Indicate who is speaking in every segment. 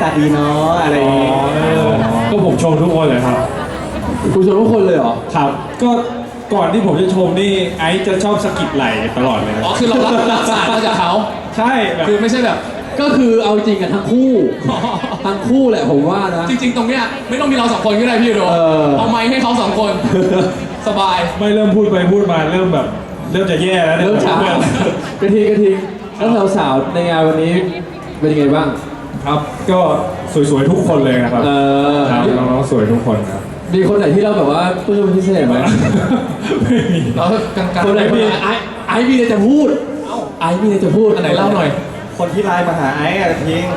Speaker 1: ตาดีเนาะอะไรอย่างงี้
Speaker 2: ก็ผมชมทุกคนเลยครับ
Speaker 3: คุณชมทุกคนเลยเหรอ
Speaker 2: ครับ ก็ก่อนที่ผมจะชมนี่ไอซ์จะชอบสะกิดไหล่ตลอดเลยนะ
Speaker 4: อ๋อคือเรารับสารมาจากเขา
Speaker 2: ใช่แบบ
Speaker 4: คือไม่ใช่แบบ
Speaker 3: ก็คือเอาจริงกันทั้งคู่ ทั้งคู่แหละผมว่านะ
Speaker 4: จริงๆ ตรงเนี้ยไม่ต้องมีเราสองคนก็ได้พี่โด เอาไมค์ให้เขาสองคน สบาย
Speaker 2: ไม่เริ่มพูดไปพูดมาเริ่มแบบเริ่มจะแย่แล้วเนี่ย
Speaker 3: เริ่มช้ากระทิงแล้วสาวๆในงานวันนี้เป็นยังไงบ้าง
Speaker 2: ครับ ก็สวยๆทุกคนเลยนะครับ
Speaker 3: เออ
Speaker 2: ครับน้องๆสวยทุกคนครับ
Speaker 3: มีคนไหนที่เราแบบว่าปลื้มพิเศษไหม
Speaker 2: ไม่มี
Speaker 4: เรากลางๆ
Speaker 3: คนไหนมีไอ้มีอะไรจะพูดไอ้มีอะไรจะพูด
Speaker 4: อันไหนเล่าหน่อย
Speaker 1: คนที่ไลน์มาหาไอ้อะทิ้ง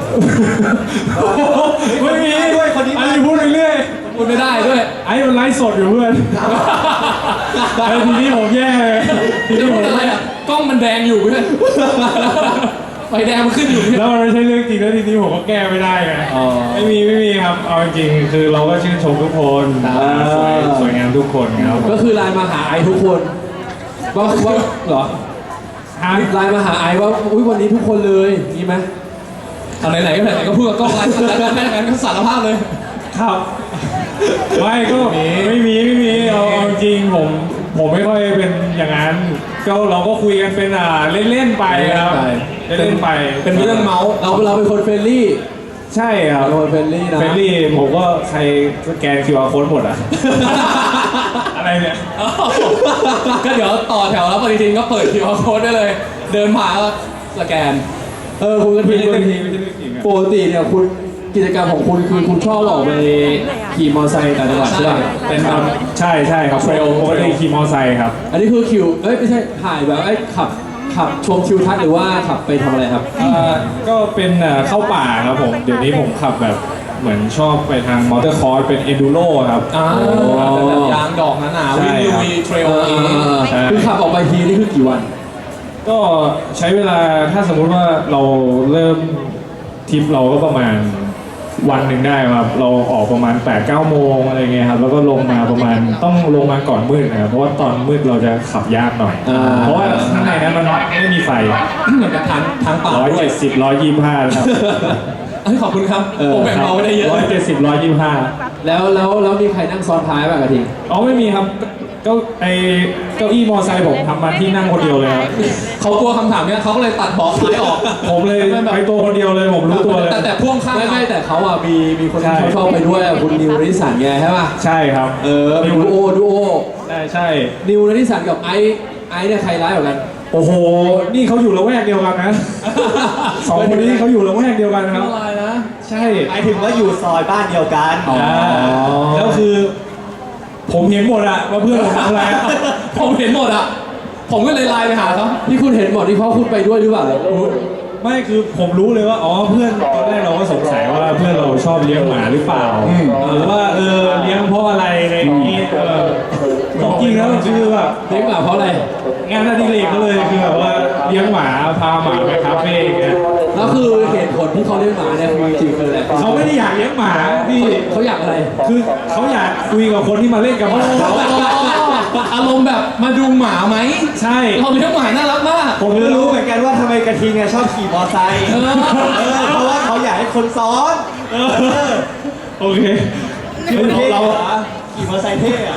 Speaker 2: ไม่มี
Speaker 1: ด้วยคนนี้
Speaker 2: ไอ้พูดไปเรื่อย
Speaker 4: พูดไม่ได้ด้วย
Speaker 2: ไอ้มันไลฟ์สดอยู่เพื่อนไอ้ทีนี้ผมแย่เลยที
Speaker 4: จะ
Speaker 2: นี้ผ
Speaker 4: พู
Speaker 2: ม
Speaker 4: ดอะไรอ่ะ กล้องมันแดงอยู่เพื่อนไฟแดงมันขึ้นอยู่
Speaker 2: แล้วมันไม่ใช่เรื่องจริงแล้วทีนี้ผมก็แก้ไม่ได้ไงไม่มีครับเอาจริงๆคือเราก็ชื่นชมทุกคนสวยงามทุกคนครับ
Speaker 3: ก็คือไลน์มาหาไอ้ทุกคนว่าเหรอไลน์มาหาไอ้ว่าอุ้ยวันนี้ทุกคนเลยมีไหม
Speaker 4: เอาไหนๆก็ไหนๆก็พูดกับกล้องไลฟ์แล้วแม่งั้นก็สารภาพเลย
Speaker 2: ครับไม่ก็ไม่มีเอาจริงผมไม่ค่อยเป็นอย่างนั้นก็เราก็คุยกันเป็นเล่นๆไปครับเล่นๆไป
Speaker 4: เป็นเรื่องเมาส์
Speaker 3: เราเป็นคนเฟรนลี่
Speaker 2: ใช่ครับ
Speaker 3: เราเป็นเฟรนลี่นะ
Speaker 2: เฟรนลี่ผมก็ใครสแกน QR code หมดอ่ะ อะไรเนี่ย
Speaker 4: ก็เดี๋ยวต่อแถวแล้วปฏิทินก็เปิด QR code ได้เลย เดินผ่านก็สแกน
Speaker 3: คุณกระทิ
Speaker 2: ไม่
Speaker 3: ง
Speaker 2: ใช่เรื่องจริงไม่ใช่เรื่องจริงอะ
Speaker 3: ปกติเนี่ยคุณกิจกรรมของคุณคือคุณชอบออกไปขี่มอเตอร์ไซค์ต่างจังหวัดใช่ไหม
Speaker 4: เป็น
Speaker 2: ใช่ครับ
Speaker 4: เทรล
Speaker 2: ปกติขี่มอเตอร์ไซค์ครับ
Speaker 3: อันนี้คือคิวไม่ใช่ถ่ายแบบขับชมทิวทัศน์หรือว่าขับไปทำอะไรครับ
Speaker 2: ก็เป็นเข้าป่าครับผมเดี๋ยวนี้ผมขับแบบเหมือนชอบไปทางมอเตอร์คอร์สเป็นเอดูโรครับ
Speaker 4: แบบยางดอกหนาๆวิ่งลุยเทรลอย่างนี้
Speaker 2: ใช่
Speaker 3: คือขับออกไปทีนี่คือกี่วัน
Speaker 2: ก็ใช้เวลาถ้าสมมุติว่าเราเริ่มทริปเราก็ประมาณวันหนึ่งได้ครับเราออกประมาณ 8-9 โมงอะไรเงี้ยครับแล้วก็ลงมาประมาณต้องลงมาก่อนมืดนะครับเพราะว่าตอนมืดเราจะขับยากหน่อย เพราะว่าข้างในนั้นมันไม่มีไฟ
Speaker 4: เหมือนกับทางป่าด้วย
Speaker 2: 170 125ครับ
Speaker 4: เฮ้ยขอบคุณครับผมแบ่งเบาไว้ได้เยอะ
Speaker 2: 170 125
Speaker 3: แล้วมีใครนั่งซ้อนท้ายป่ะกระทิง
Speaker 2: อ๋อไม่มีครับก็ไอเก้าอี้มอไซค์ผมทำมาที่นั่งคนเดียวเลยครับ
Speaker 4: เขากลัวคำถามเนี้ยเขาก็เลยตัดเบาะท้ายออก
Speaker 2: ผมเลยไปตัวคนเดียวเลยผมรู้ตัวเลย
Speaker 4: แต่พ่วงข้าง
Speaker 3: ไม่แต่เขาอ่ะมีคน
Speaker 2: ใช่
Speaker 3: ที่ชอบไปด้วยคุณนิวนิสสันไงใช่ป่ะ
Speaker 2: ใช่ครับ
Speaker 3: ดูโอ
Speaker 2: ใช่
Speaker 3: นิวนิสสันกับไอเนี่ยใครร้ายกว่ากัน
Speaker 2: โอ้โหนี่เขาอยู่ละแวกเดียวกันนะสองคนนี้เขาอยู่ละแวกเดียวกันครับ
Speaker 4: อะไรนะ
Speaker 2: ใช่
Speaker 1: หมายถึงว่าอยู่ซอยบ้านเดียวกัน
Speaker 2: แล้วคือ ผมเห็นหมดอะว่าเพื่อนผมทำอะไรอะ
Speaker 4: ผมเห็นหมดอ่ะ ผมก็เลยไลน์ไปหาเขา
Speaker 3: ที่คุณเห็นหมดที่เขาคุณไปด้วยหรือเปล่า
Speaker 2: ไม่คือผมรู้เลยว่าอ๋อเพื่อนตอนแรกเราก็สงสัยว่าเพื่อนเราชอบเลี้ยงหมาหรือเปล่าหรือว่าเลี้ยงเพราะอะไรอะไรอย่างนี้จริงๆแล้วคือแบบ
Speaker 3: เลี้ยงหมาเพราะอะไร
Speaker 2: งานอดิเรกก็เลยคือแบบว่าเลี้ยงหมาพาหมาไปคาเฟ่อย่างเงี้ย
Speaker 3: แล้วคือเหตุผลที่เขาเลี้ยงหมาเนี่ยคือจริงๆคืออะไร
Speaker 2: เขาไม่ได้อยากเลี้ยงหมาพี่
Speaker 3: เขาอยากอะไร
Speaker 2: คือเขาอยากคุยกับคนที่มาเล่นกับหมาเขา
Speaker 4: อารมณ์แบบมาดูหมาไหม
Speaker 2: ใช่
Speaker 4: เราเลี้ยงหมาน่ารักมาก
Speaker 1: ผมก็รู้เหมือนกันว่าทำไมกระทิงอะชอบขี่มอไซค์เพราะว่าเขาอยากให้คนซ้อน
Speaker 2: โอเค
Speaker 1: เราขี่มอไซค์เท่อะ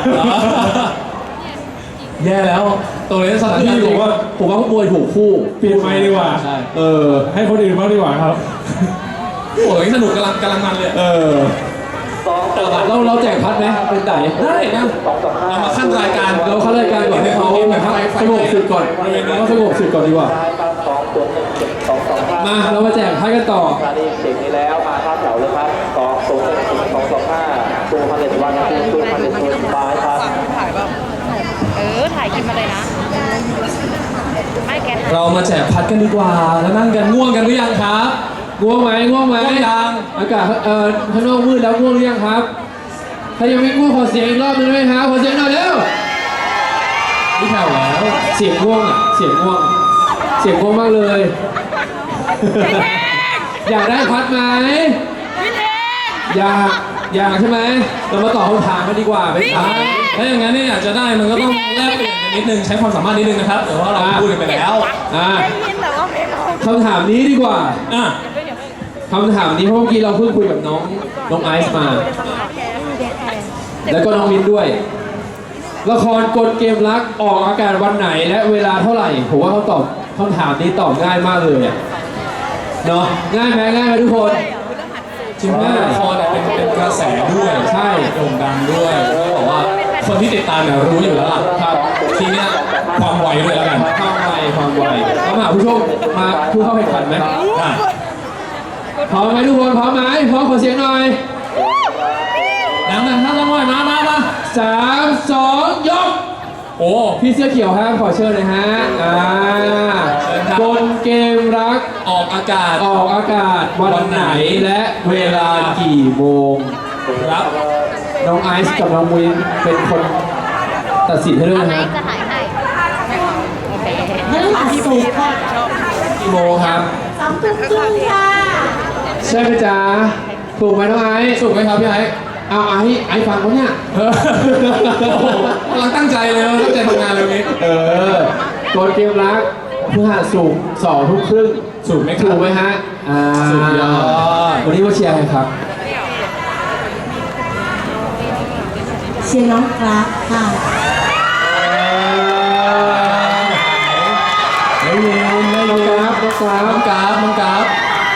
Speaker 4: แย่แล้วตรงนี้สถาน
Speaker 3: พี่
Speaker 4: การณ์
Speaker 3: ผมว่าขโมยถูกคู่
Speaker 2: เปลี่ยนไมค์ดีกว่า
Speaker 4: ใช่
Speaker 2: ให้คนอื่นบ้างดีกว่าครับ
Speaker 4: โอ้ยสนุกกำลังมันเลย
Speaker 3: เราแจกพัดไหมเป็นไต่
Speaker 4: ได้นะเรามาขั้นรายการ
Speaker 3: เราเข้ารายการก่อนให้เขาสงบสึกก่อนเขาสงบสึกก่อนดีกว่า มาเรามาแจกพัดกันต่อ
Speaker 5: สถานีเด็กนี้แล้วมาเข้าแถวเลยครับ201 225ตัวพันเด็ดวันตัวพันเด็ดตัวบายครับ
Speaker 6: ถ่ายแบบถ่ายคลิปมาเลยนะ ไม่แกถ่าย
Speaker 4: เรามาแจกพัดกันดีกว่า แล้วนั่งกันง่วงกันหรือยังครับ
Speaker 3: ง่วงไหม
Speaker 4: ง่วงยัง
Speaker 3: อากาศข้างนอกมืดแล้วง่วงหรือยังครับถ้ายังไม่ง่วงขอเสียงอีกรอบหนึงได้ไหมครับขอเสียงหน่อยเร็วนี่แผ่วแล้วเสียงง่วงอ่ะเสียงง่วงมากเลย อยากได้พัดไหมอยากใช่ไหมเรามาตอบคำถามกันดีกว่าไปถาม
Speaker 4: ถ้าอย่างนั้นเนี่ยอยากจะได้มันก็ต้องแลกเปลี่ยนกันนิดนึงใช้ความสามารถนิดนึงนะครับแต่ว่าเราพูดกันไปแล้ว
Speaker 6: ได้ยินแต่ว่าไม่รู้
Speaker 3: คำถามนี้ดีกว่า
Speaker 4: อ่ะ
Speaker 3: คำถามนี้เพราะเมื่อกี้เราเพิ่งคุยกับน้องไอซ์มา แล้วก็น้องมิ้นด้วย ละครกลเกมรักออกอากาศวันไหนและเวลาเท่าไหร่ผมว่าเขาตอบคำถามนี้ตอบง่ายมากเลยอะเนาะง่ายไหมทุกคนจริง
Speaker 4: ละ
Speaker 3: ง่าย
Speaker 4: ครเนี่ยเป็นกระแสด้วย
Speaker 3: ใช่
Speaker 4: โด่งดังด้วยแล้วบอกว่าคนที่ติดตามเนี่ยรู้อยู่แล้วล่ะครับทีเนี้ยความไวด้วยแล้วกัน
Speaker 3: ความไวเขามาผู้ชมมาผู้เข้าแข่งขันไหม
Speaker 4: ได้
Speaker 3: พร้อมไหมทุกคนพร้อมไหมพร้อมขอเสียงหน่อย
Speaker 4: ดังๆท่านละหน่อยมา
Speaker 3: 3 2 ยก
Speaker 4: โอ้
Speaker 3: พี่เสื้อเขียวครับขอเชิญเลยฮะกลเกมรัก
Speaker 4: ออกอากาศ
Speaker 3: ออกอากาศวันไหนและเวลากี่โมง
Speaker 4: ครับ
Speaker 3: น้องไอซ์กับน้องวินเป็นคนตัดสินให้ด้วย
Speaker 6: อะไร
Speaker 3: นะฮะ
Speaker 6: จะถ่ายให้โอเค
Speaker 7: พฤหัสศุกร์ค่ะ
Speaker 3: กี่โมงครับ
Speaker 7: 2 ทุ่มครึ่งค่ะ
Speaker 3: ใช่ไหมจ๊ะถูกไหมน้องไอซ์
Speaker 4: สุกไหมครับพี่ไอ้
Speaker 3: เอาไอซ์ฟังเขาเนี่ย
Speaker 4: กำลังตั้งใจเลยตั้งใจทำงานเลยวันนี้
Speaker 3: กลเกมรักพฤหัสศุกร์2 ทุ่มครึ่ง
Speaker 4: สุกไหมค
Speaker 3: ถู
Speaker 4: รับ
Speaker 3: กไหมฮะสุดยอดวันนี้มาเชียร์ใครครับ
Speaker 7: เชียร์น้องกราฟค่ะ
Speaker 3: น้องกราฟ
Speaker 4: น้องกราฟน้องกราฟ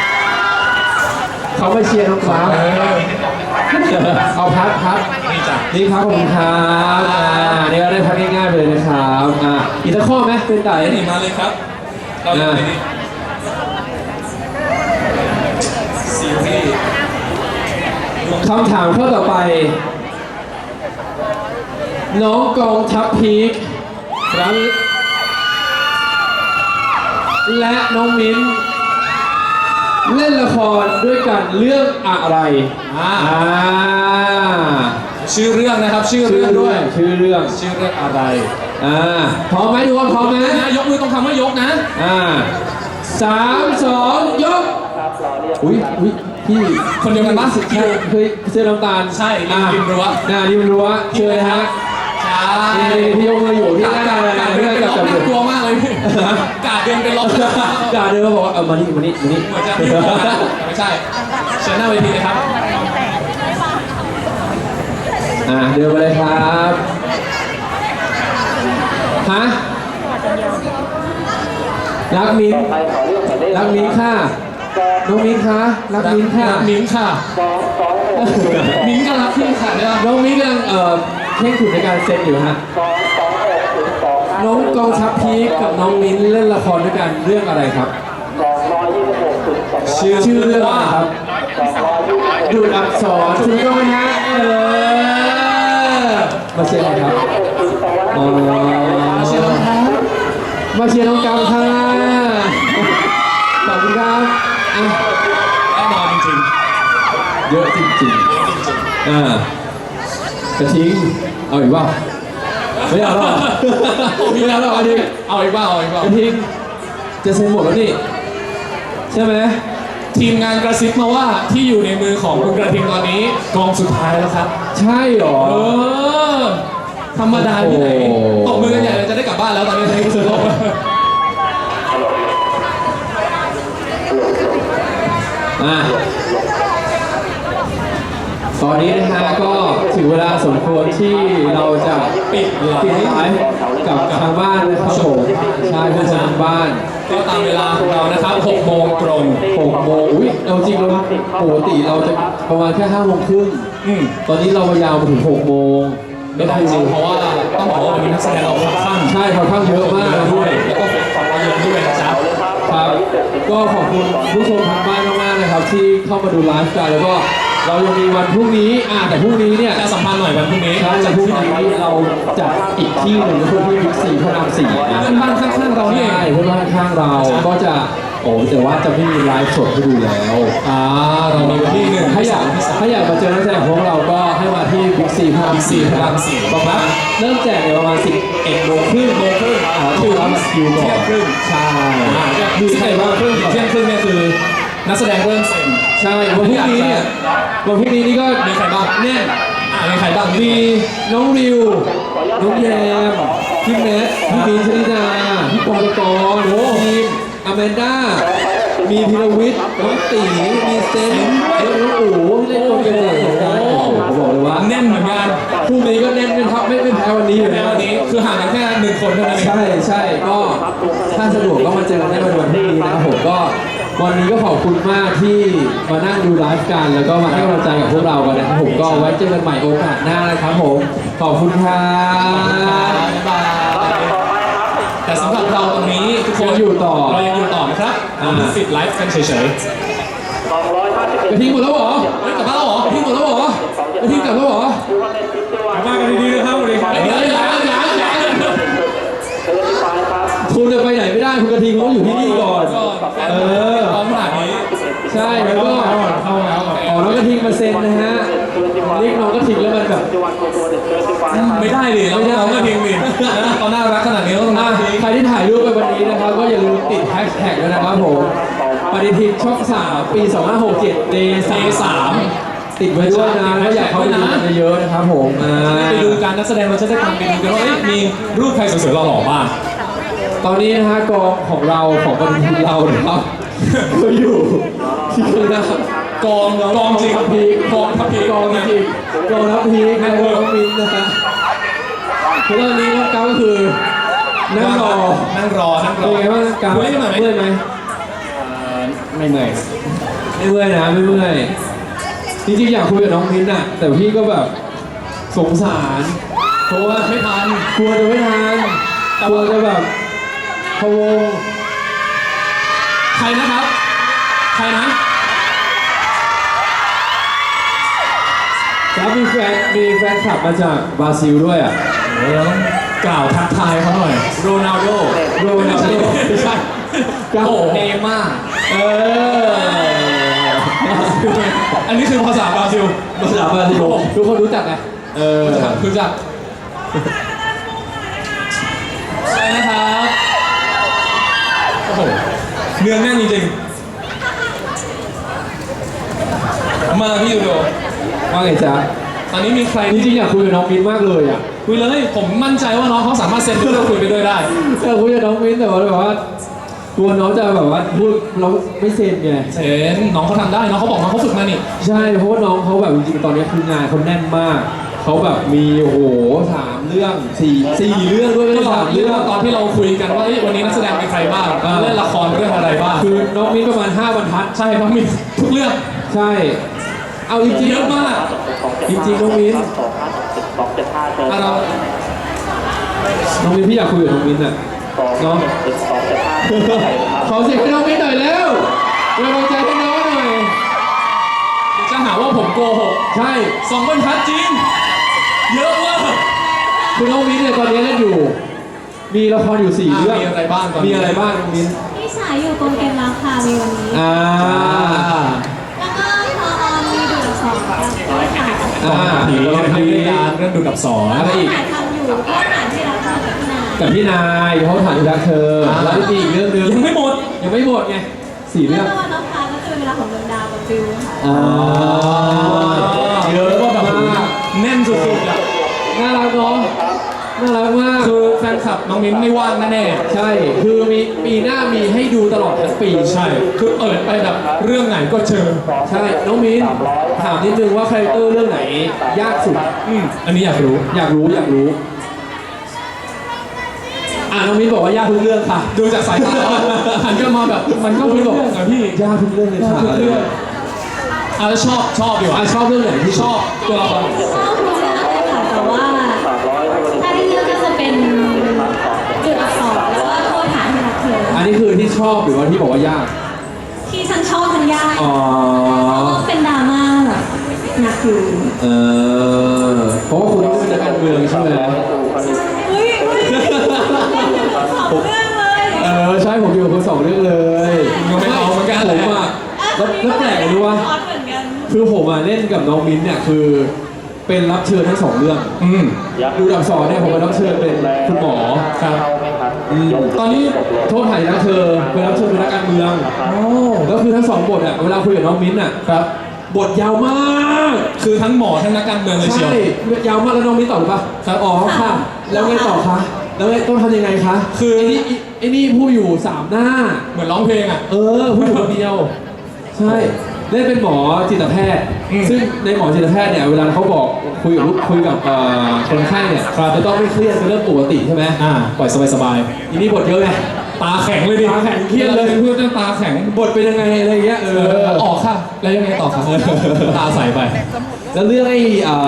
Speaker 3: เขามาเชียร์น้องกราฟเอาพัด
Speaker 4: นี่จ้ะ
Speaker 3: นี่ครับขอบคุณครับนี่ก็ได้พักง่ายๆไปเลยนะครับอีกสักข้อไหมเป็นไต่
Speaker 4: นี่มาเลยครับ เราอยู่ในนี้ซีรีส์
Speaker 3: คำถามข้อต่อไป น้องกองทัพพีคครับและน้องมิ้นเล่นละครด้วยกันเรื่องอะไร
Speaker 4: ชื่อเรื่องนะครับ ชื่อเรื่องด้วย
Speaker 3: ชื่อเรื่อง
Speaker 4: ชื่อเรื่องอะไร
Speaker 3: พร้อมไหมทุกคนพร้อมไหม
Speaker 4: นะยกมือต้องคำว่ายกนะ
Speaker 3: 3 2 ยกอุ้ยพี่
Speaker 4: คนเดียวกันปะ
Speaker 3: เคยเสื้อน้ำตาล
Speaker 4: ใช่ริมรั้ว
Speaker 3: ริมรั้วเชิญเลยฮะ
Speaker 4: ใช่
Speaker 3: พี่ยกมืออยู่พี่
Speaker 4: กา
Speaker 3: นั่งอะไร
Speaker 4: ร
Speaker 3: เพื่
Speaker 4: เดิ
Speaker 3: อน
Speaker 4: น
Speaker 3: กับ
Speaker 4: เป็นล็อก
Speaker 3: จับ
Speaker 4: น่ากลัวมากเลยพี่กาดเดินเป็นล็อก
Speaker 3: กาเดินมาบอกว่ามานี่
Speaker 4: เหมือนจะพี่ไม่ใช่เชิญหน้าเวทีเลยครับ
Speaker 3: เดินมาเลยครับฮะรักมิ้น
Speaker 5: ไปขอเรื่องหมายเลข
Speaker 3: รักมิ้นค่ะน้องมิ้นคะรักมิ้นค่ะ
Speaker 4: มิ้นค่ะ
Speaker 5: 226
Speaker 4: มิ้นก็รักพี่ค่ะเนี่ย
Speaker 3: น้องมิ้นกำลังเข่งขุนในการเซ็นอยู่ฮะ
Speaker 5: 226ถึง2
Speaker 3: น้องกองทัพพีคกับน้องมิ้นเล่นละครด้วยกันเรื่องอะไรครับ
Speaker 5: 226ถึง200
Speaker 3: ชื่อเรื่องอะไรครับ
Speaker 5: 226
Speaker 3: ดูดอักษรถูกต้องไหมฮะมาเชียร์อะไรครับอ๋อมาเชียร์น้องครับมาเชียร์น้องกำค่ะขอบคุณครับ
Speaker 4: แน่นอนจริง
Speaker 3: เยอะจริงๆกระทิงเอาอีกว่าไม่เอาหรอก
Speaker 4: ๆมีแล้วเหรอเอาอีกบ้างเอาอีกบ้าง
Speaker 3: กระทิงจะเซ็นหมดแล้วนี่ใช่ไหม
Speaker 4: ทีมงานกระซิบมาว่าที่อยู่ในมือของคุณกระทิงตอนนี้กองสุดท้ายแล้วครับ
Speaker 3: ใช่หรอ
Speaker 4: ธรรมดาที่ไหน
Speaker 3: โอ้
Speaker 4: ตบมือกันใหญ่เลยจะได้กลับบ้านแล้วตอนนี้ในที่สุดโลก
Speaker 3: ตอนนี้นะฮะก็ถึงเวลาสมควรที่เราจะปิดไลฟ์กับทางบ้านนะครับผมใช่ผู้ชมทางบ้าน
Speaker 4: ก็ตามเวลาของเรานะครับ6 โมงตรง
Speaker 3: 6 โมงอุ้ยเอาจริงเราปกติเราจะประมาณแค่5 โมงครึ่งตอนนี้เรามายาวมาถึง6 โมง
Speaker 4: ไม่ได้จริงเพราะว่าต้องบอกว่าวันนี้นักแสดงเราค่อนข้าง
Speaker 3: ใช่ค่อนข้างเยอะมาก
Speaker 4: ด้วยแล้วก็ฝั่งเราเยอะด้วยนะจ๊ะ
Speaker 3: ครับก็ขอบคุณผู้ชมทางบ้านมากๆนะครับที่เข้ามาดูไลฟ์กันแล้วก็เรายังมีวันพรุ่งนี้แต่พรุ่งนี้เนี่ย
Speaker 4: จะสัมพันธ์หน่อยวันพรุ่งนี้
Speaker 3: ใช่วันพรุ่งนี้เราจัดอีกที่หนึ่งก็คือที่บิ๊กซีพระราม4นะ
Speaker 4: เพื่อนบ้านข้างๆเรานี่เอง
Speaker 3: ใช่เพื่อนบ้านข้างเราก็จะแต่ว่าจะไม่มีไลฟ์สดให้ดูแล้ว
Speaker 4: เรามีวันที่หนึ่ง
Speaker 3: ถ้าอยากมาเจอนักแสดงของเราก็ให้มาที่บิ๊กซีพระราม4
Speaker 4: พระราม4
Speaker 3: ประมาณเริ่มแจกเนี่ยประมาณ11 โมงครึ่งถึงรับบัตรคิวก่อน
Speaker 4: เที่ยงครึ่ง
Speaker 3: ใช่
Speaker 4: มีใครบ้างครึ่งเที่ยงครึ่งเนี่ยคือนักแสดงเริ่มเซ็น
Speaker 3: ใช่วันพรุ่งนี้เนี่ยวันพรุ่งนี้นี่ก็
Speaker 4: มีใครบ้าง
Speaker 3: แน่น
Speaker 4: มีใครบ้าง
Speaker 3: มีน้องริว น้องแยม พี่แมท พี่บีนชลิดา พี่ปองกรโอ้ทีมอแมนด้า มีมีพีรวิทย์น้องตีมีเซนแล้วน้องอู๋ที่เล่นตัวเกมเหมือนกันโอ้โหบอกเลยว่า
Speaker 4: แน่นเหมือนกัน
Speaker 3: พรุ่งนี้ก็แน่นเป็นทับไม่แพ้วันนี้อยู่
Speaker 4: ใน
Speaker 3: แล้ว
Speaker 4: วันนี้คือห่างกันแค่1 คนเท่านั้นเอง
Speaker 3: ใช่ก็ถ้าสะดวกก็มาเจอกันได้วันพรุ่งนี้นะครับผมก็วันนี้ก็ขอบคุณมากที่มานั่งดูไลฟ์กันแล้วก็มาให้กำลังใจกับพวกเรากันนะครับผมก็ไว้เจอกันใหม่โอกาสหน้านะครับผมขอบคุณครับ
Speaker 4: บ๊ายบายแต่สำหรับเราตรงนี้ทุกคน
Speaker 3: ยังอยู่ต่อ
Speaker 4: เรายังอยู่ต่อนะครับเราปิดไลฟ์กันเฉย
Speaker 3: กระทิงหมดแล้วเหรอ
Speaker 4: ๆเฮ้ยกลับบ้านแล้วเหรอก
Speaker 3: ระทิงหมดแล้วเหรอกระทิงกลับแล้วเหรอ
Speaker 2: กลับบ้านกันดีๆนะครับสวัสดีครับ
Speaker 4: เดี๋ยว
Speaker 3: คุณจะไปไหนไม่ได้คุณกระทิงเขาอยู่ที่นี่ก่อน เออ
Speaker 4: พร้อมขนาดนี้
Speaker 3: ใช่แล้วก็
Speaker 2: เข้าแล้วก่อน
Speaker 3: อ๋อน้องกระทิงมาเซ็นนะฮะเรียกน้องกระทิงแล้วมันแบบ
Speaker 4: ไม่ได้ดิเราก็ทิ้งดิเขาน่ารักขนาดนี้ต้องน่าทิ้ง
Speaker 3: ใครที่ถ่ายรูปไปวันนี้นะครับก็อย่าลืมติดแฮชแท็กด้วยนะครับผมปฏิทินช่อง3 ปี 2567 Day 3ติดไว้ด้วยนะแล้วอยากเข้าไปดูกันเยอะๆนะครับผม
Speaker 4: ไปดูการนักแสดงเราจะได้ทำไปดูกันว่ามีรูปใครสวยๆหล่อๆบ้าง
Speaker 3: ตอนนี้นะฮะกองของเราของปฏิทินเรานะครับก็อยู่ที่ข้างหน้าก
Speaker 4: องจริง
Speaker 3: พีก
Speaker 4: องทัพพี
Speaker 3: กองจริงกองทัพพีกนะน้องมินนะฮะคือตอนนี้น้องก้าวก็คือนั่งรอ
Speaker 4: นั่งรอ
Speaker 3: เป็นไงบ้างก้าว
Speaker 4: เมื่อยหน่อยไหม
Speaker 3: เมื่อยไหม
Speaker 1: ไม่เหนื่อย
Speaker 3: ไม่เมื่อยนะไม่เมื่อยจริงๆอยากคุยกับน้องมิ้นท์อะแต่พี่ก็แบบสงสารเพราะว่า
Speaker 4: ไม่ทัน
Speaker 3: กลัวจะไม่ทันกลัวจะแบบพะวง
Speaker 4: ใครนะครับ ใครนะ
Speaker 3: แล้วมีแฟนคลับมาจากบราซิลด้วยอ่ะ
Speaker 4: เราต้องกล่าวทักทายเขาหน่อยโรนัลโด
Speaker 3: โรนัลโดไม่ใช่
Speaker 4: โอ้เนม่า
Speaker 3: เออ
Speaker 4: อันนี้คือภาษาบราซิล
Speaker 3: ภาษาบราซิลทุกคนรู้จักไงเออ
Speaker 4: รู้จักใช่นะครับโอ้โหเนื้อแน่นจริงๆมาพี่ยูโด
Speaker 3: ว่าไงจ๊ะ
Speaker 4: ตอนนี้มีใคร
Speaker 3: จ
Speaker 4: ที่
Speaker 3: ริงๆอยากคุยกับน้องมิ้นท์มากเลยอ่ะ
Speaker 4: คุยเลยผมมั่นใจว่าน้องเขาสามารถเซ็นเพื่อเราคุยไปด้วยได้
Speaker 3: อยากคุยกับน้องมิ้นท์แต่ว่าแบบว่ากลัวน้องจะแบบว่าพูดเราไม่เซ็นไง
Speaker 4: เซ็นน้องเขาทำได้น้องเขาบอกน้องเขาฝึกมานี่
Speaker 3: ใช่เพราะว่าน้องเขาแบบจริงๆตอนนี้คืองานเขาแน่นมากเขาแบบมีโอ้โห3 เรื่อง4เรื่องด้วยไม่
Speaker 4: ก็
Speaker 3: ใช่
Speaker 4: เรา
Speaker 3: 3
Speaker 4: เรี
Speaker 3: เรื่
Speaker 4: ยก
Speaker 3: อง
Speaker 4: ว่าตอนที่เราคุยกันว่าเอ้ยวันนี้นักแสดงเป็นใครบ้างเล่นละครเรื่องอะไรบ้าง
Speaker 3: คือน้องมิ้นประมาณ5 บรรทัด
Speaker 4: ใช่เพราะมีทุกเรื่อง
Speaker 3: ใช่เอาจริง
Speaker 4: เยอะมาก
Speaker 3: จริงๆน้องมิ้น
Speaker 5: 275เชิญ
Speaker 4: อ่ะเรา
Speaker 3: น้องมิ้นพี่อยากคุยกับน้องมิ้นอ่ะเนาะ
Speaker 5: 275
Speaker 3: ขอเสียงให้น้องมิ้นหน่อยแล้วเป็นกำลังใจให้น้องหน่อย
Speaker 4: เดี๋ยวจะหาว่าผมโกหก
Speaker 3: ใช่
Speaker 4: 2 บรรทัดจริง เยอะมาก
Speaker 3: คือน้องมิ้นเนี่ยตอนนี้เล่นอยู่ มีละครอยู่4 เรื่อง
Speaker 4: มีอะไรบ้างตอนนี้
Speaker 3: มีอะไรบ้างน้องมิ้น
Speaker 7: ที่ฉายอยู่กองเกมราคามีวันนี้
Speaker 3: อ่า
Speaker 7: แล้วก็พอออนมีดูดสองแล้วก็ถ่าย
Speaker 4: ผี
Speaker 3: แล้วก็
Speaker 4: เรื่องการเรื่องดูดับสอน
Speaker 3: อะไรอีก
Speaker 7: ถ่ายทำอยู่ก็ถ่ายที่รับทำกับพี่นาย
Speaker 3: กับพี่นายเขาถ่ายรักเธอแล้วมีอีกเรื่องหนึง
Speaker 4: ยังไม่หมด
Speaker 3: ยังไม่หมดไง4
Speaker 7: แล้
Speaker 3: เรื่
Speaker 7: ว
Speaker 3: อง
Speaker 7: ก็วันน้องพาก็คือเวลาของดวงดาวกับฟิวค่ะ
Speaker 3: อ่าเยอะ
Speaker 4: ก็แบบ
Speaker 3: มาก
Speaker 4: แน่นสุดๆอ่ะ
Speaker 3: น่ารักเนาะน่ารักมาก
Speaker 4: คือแฟนคลับน้องมิ้นไม่ว่างแน่
Speaker 3: ใช่ คือมีหน้ามีให้ดูตลอดทั้งปี
Speaker 4: ๆใช่ คือเปิดไปแบบเรื่องไหนก็เจอ
Speaker 3: ใช่ น้องมิ้นถามนิดนึงว่าคาแรคเตอร์เรื่องไหนยากสุด
Speaker 4: อันนี้อยากรู้
Speaker 3: อยากรู้น้องมิ้นบอกว่ายากทุกเรื่องค่ะ
Speaker 4: ดูจากสายตาแล้วหันกลับมาแบบมันก็เป็นเรื่องอะพี่
Speaker 3: ยากทุกเรื่องเลยค่ะ
Speaker 4: ทุกเรื่องอ่ะแล้วชอบดีกว่า
Speaker 3: ชอบเรื่องไหนที่
Speaker 4: ชอบตัวละคร
Speaker 7: ชอบทุกเรื่องเลยค่ะแต่ว่าถ้าได้เลือกก็จะเป็นจุดอักษรแล้วก็โทษฐานที่รักเธอ
Speaker 3: อันนี้คือที่ชอบหรือว่าที่บอกว่ายาก
Speaker 7: ที่ฉันชอบทันยาก
Speaker 3: อ๋อ
Speaker 7: ก็เป็นดราม่าแบบหนักอยู่
Speaker 3: เพราะว่าคุณต้องเป็นนักการเมืองใช่ไหม
Speaker 7: อุ้ยสองเรื่องเลย
Speaker 3: ใช่ผมอยู่กับคุณ2 เรื่องเลย
Speaker 4: ยังไม่เอาเหมือนกัน
Speaker 3: ผ
Speaker 4: เลย
Speaker 3: มอ่ะแล้วแปลกรู้ว่า
Speaker 7: คอร์สเหมือนกัน
Speaker 3: คือผมอ่ะเล่นกับน้องมิ้นเนี่ยคือเป็นรับเชิญทั้ง 2 เรื่องดูดับสอนเนี่ยผมเป็นรับเชิญเป็นคุณหมอ
Speaker 4: ครับ
Speaker 3: ตอนนี้โทษถ่ายนะเธอเป็นรับเชิญเป็นนักการเมืองแล้วคือทั้ง2 บทอ่ะเวลาคุยกับน้องมิ้นอ่ะ
Speaker 4: ครับ
Speaker 3: บทยาวมาก
Speaker 4: คือทั้งหมอทั้งนักการเมืองเลยเชียว
Speaker 3: ใช่ยาวมากแล้วน้องมิ้นตอบหรือปะ
Speaker 4: ครับ
Speaker 3: อ๋อค่ะ แล้วไงต่อคะแล้วต้องทำยังไงคะ
Speaker 4: คือ
Speaker 3: ไอ้นี่ผู้อยู่3หน้า
Speaker 4: เหมือนร้องเพลงอ่ะ
Speaker 3: ผู้อยู่คนเดียว ใช่เล่นเป็นหมอจิตแพทย์ ซึ่งในหมอจิตแพทย์เนี่ยเวลาเขาบอกคุยกับคนไข้เนี่ยจะต้องไม่เครียดเป็นเรื่องปกติใช่ไหมปล่อยสบายๆอีนี่บทเยอะไง
Speaker 4: ตาแข็งเลยดิ
Speaker 3: ตาแข็งเครียดเลย
Speaker 4: เพื่อนตาแข็ง
Speaker 3: บทเป็นยังไงอะไรเงี้ย
Speaker 4: ออกค่ะ แล้วยังไงต่อครับตาใสไป
Speaker 3: แล้วเรื่องไอ้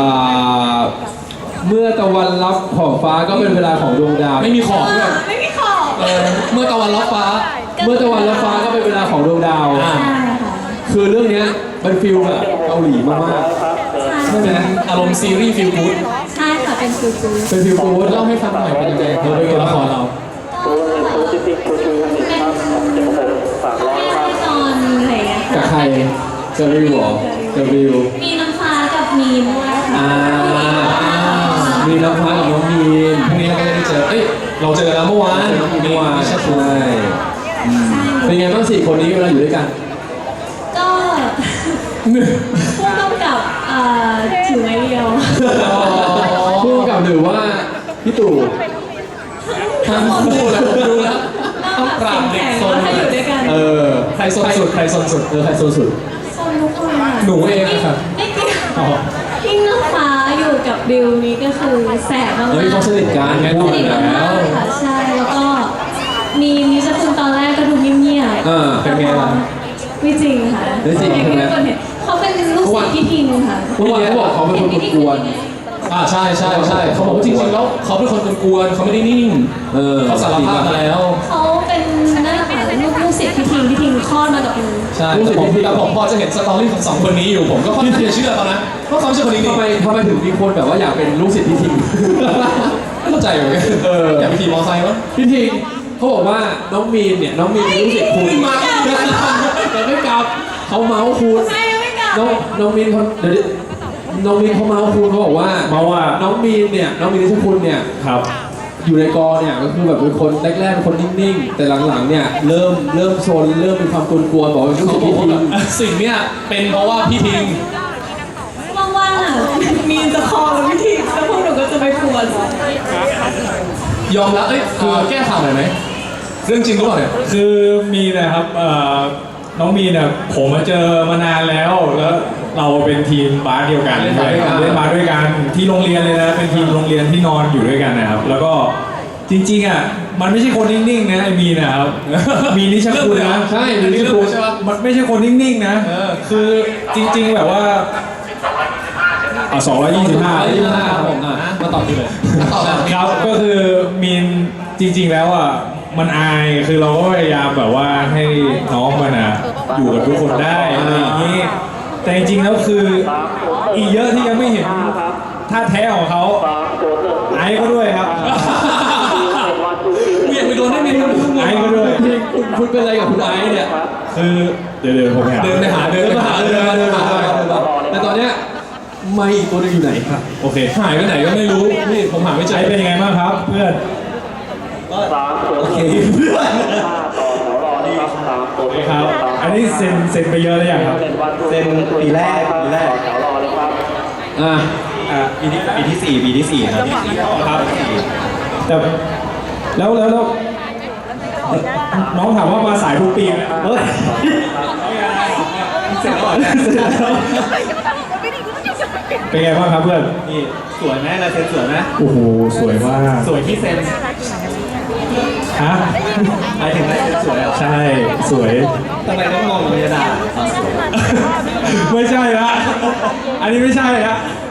Speaker 3: เมื่อตะวันรับขอบฟ้าก็เป็นเวลาของดวงดาว
Speaker 4: ไม่มีขอบด้วย
Speaker 7: ไม่มีขอบ
Speaker 4: เมื่อตะวันรับฟ้า
Speaker 3: เมื่อตะวันรับฟ้าก็เป็นเวลาของดวงดาว
Speaker 4: อ่า
Speaker 7: ใช่ค่ะ
Speaker 3: คือเรื่องเนี้ยเป็นฟิลแบบเกาหลีมากๆใช่ไหม
Speaker 4: อารมณ์ซีรีส์ฟีลกู๊ด
Speaker 7: ใช่ค่ะเป็นฟิลกู๊ด
Speaker 3: เป็นฟิลกู๊ด
Speaker 4: เล่าให้ฟังหน่อยเป็นยังไงเป็นตัวละครเรา
Speaker 7: นอนอะไรอย่างเงี้ย
Speaker 3: กับ
Speaker 7: ค่ะ
Speaker 3: ใครกับวิวเหรอกับวิว
Speaker 7: มีน้ำฟ้ากับมีนด้วยค่ะ
Speaker 3: มีน้ำฟ้ากับน้องมีน
Speaker 4: พรุ่งนี้เราก็จะได้เจอ เอ้ย เราเจอแล้วเมื่อวาน
Speaker 3: น้องมีนเมื่อวาน
Speaker 4: ใช่
Speaker 3: ใช่เป็นไงบ้าง4 คนนี้เวลาอยู่ด้วยกัน
Speaker 7: ก็ผู้กำกับถือไม้เรียว
Speaker 3: คู่กับหรือว่าพี่ตู่
Speaker 4: ทั้งคู่แล้วผมดูแล้ว ต้องปราบเด็กซน
Speaker 7: ถ้าอยู่ด้วยกัน
Speaker 4: ใครซนสุด ใครซนสุด
Speaker 3: ใครโซนสุด
Speaker 7: โซนทุกคนค่ะ
Speaker 4: หนูเองอะครับ
Speaker 7: ไม่เกี่ยวที่น้ำฟ้าอยู่กับบิวนี่ก็คือแสบมากๆ
Speaker 3: เฮ้ยเขาสนิทกัน
Speaker 4: แน่น
Speaker 7: ส
Speaker 4: อน
Speaker 7: นิทมากๆค่ะใช่แล้วก็มีจะคุณตอนแรกก็ดูเงียบๆ
Speaker 3: เป็นไงล่ะ
Speaker 7: ไม่จริงค่ะ
Speaker 3: ไม่จริง
Speaker 7: อย่างที่
Speaker 3: ใช่ไหม
Speaker 7: ทุกคนเห็นเขาเป็นลูกศิษย์พี่ทิงค่ะ
Speaker 3: เมื่อวานเขาบอกเขาเป็นคนกวน
Speaker 4: ใช่ใช่ใช่เขาบอกว่าจริงๆแล้วเขาเป็นคนกวนๆเขาไม่ได้นิ่ง เขาสารภาพมาแล้ว
Speaker 7: เขาเป็นนั่นแหละค่ะลูกศิษย์พี่ทิงคลอดมากับมือ
Speaker 4: ใช่แต่ผมพอจะเห็นสตอรี่ของสองคนนี้อยู่ ผมก็ค่อนข้างจะเชื่อเขานะว่าเขาไม่ใช่คนนี้
Speaker 3: ทำไมถึงมีคนแบบว่าอยากเป็นลูกศิษย์พี่ทิง
Speaker 4: ไม่เข้าใจเหมือนกันอยากไปขี่มอเตอร์ไซค์มั้ง
Speaker 3: พี่ทิงเขาบอกว่าน้องมีนเป็นลูกศิษย์คุณ
Speaker 4: มา
Speaker 3: แต่ไม่กลับเขาเมาส์คุณ
Speaker 7: ใช่ไม่กลับ
Speaker 3: น้องมีนเขาเดี๋ยวน้องมีนเขาเมาส์คุณเขาบอกว่า
Speaker 2: มาว่า
Speaker 3: น้องมีนนิชคุณเนี่ย
Speaker 2: ครับ
Speaker 3: อยู่ในกอเนี่ยก็คือแบบเป็นคนแรกๆเป็นคนนิ่งๆแต่หลังๆเนี่ยเริ่มโซนเริ่มมีความกวนๆบอกว่าลูก
Speaker 4: เขา
Speaker 3: ศิษย์
Speaker 4: บอก
Speaker 3: พี่
Speaker 4: ว่า
Speaker 3: ทิง
Speaker 4: สิ่งเนี้ยเป็นเพราะว่าพี่ทิง
Speaker 7: ว่างๆอ่ะมีจะคอกับพี่ทิงแล้วพวกหนูก็จะไปปวด
Speaker 4: ยอมรับคือแก้ข่าวหน่อยไหมเรื่องจริงหรือเปล่าเนี่ย
Speaker 2: คือมีนะครับน้องมีเนี่ยผมมาเจอมานานแล้วเราเป็นทีมบาสเดียวกัน
Speaker 4: เล่นบาสด้วยกัน
Speaker 2: เล่นบาสด้วยกันที่โรงเรียนเลยนะเป็นทีมโรงเรียนที่นอนอยู่ด้วยกันนะครับ แล้วก็จริงๆอ่ะมันไม่ใช่คนนิ่งๆนะไอ้มีนะครับ มีนิชคุณนะ
Speaker 3: ใช่
Speaker 4: อันนี้
Speaker 3: นิช
Speaker 4: เรื่อง
Speaker 3: คุ
Speaker 4: รู้
Speaker 3: ณ
Speaker 4: ใช่ปะ
Speaker 2: มันไม่ใช่คนนิ่งๆนะคือจริงๆแบบว่า225
Speaker 3: ครับผมมาตอบดีเลย
Speaker 4: ต่อแบบ
Speaker 2: ครับก็คือมีนจริงๆแล้วอ่ะมันอายคือเราก็พยายามแบบว่าให้น้องมันอ่ะอยู่กับทุกคนได้อะไรอย่างนี้แต่จริงๆแล้วคืออีกเยอะที่ยังไม่เห็นท่าแท้ของเขาไอ้ก็ด้วยครับ
Speaker 4: เวียนไปโดนได้ไหมครับ
Speaker 2: ไอ้ก็ด้วย
Speaker 3: คุณเป็นอะไรกับคุณไอซ์เนี่ย
Speaker 2: คือเดี๋ยวผมหา
Speaker 4: เดินไปหา
Speaker 3: แต่ตอนเนี้ยไม่อีกตัวหนึงอยู่ไหนครับ
Speaker 2: โอเค
Speaker 4: หายไปไหนก็ไม่รู้นี่ผมหาไม่เจอ
Speaker 2: ไอ้เป็นยังไงบ้างครับเพื่อน
Speaker 1: โอเคเพื่อน
Speaker 2: โอเคครับอันนี้เซ็นไปเยอะแล้วยังครับ
Speaker 1: เซ็นปีแรก
Speaker 3: อ่ะ
Speaker 1: ปีที่ 4 ครับ
Speaker 2: ครับแต่แล้วน้องถามว่ามาสายทุกปีไหมเฮ้ยเสร็จแล้วเป็นไงบ้างครับเพื่อน
Speaker 1: นี่สวยไหมลายเซ็นสวยไหม
Speaker 2: โอ้โหสวยมาก
Speaker 1: สวยที่เซ็น
Speaker 2: ฮะ
Speaker 1: หมายถึงลายเซ็นสวยเหรอ
Speaker 2: ใช่สวย
Speaker 1: ทำไมต้องมองเลยด่าสวย
Speaker 2: ไม่ใช่ละอันนี้ไม่ใช่ละ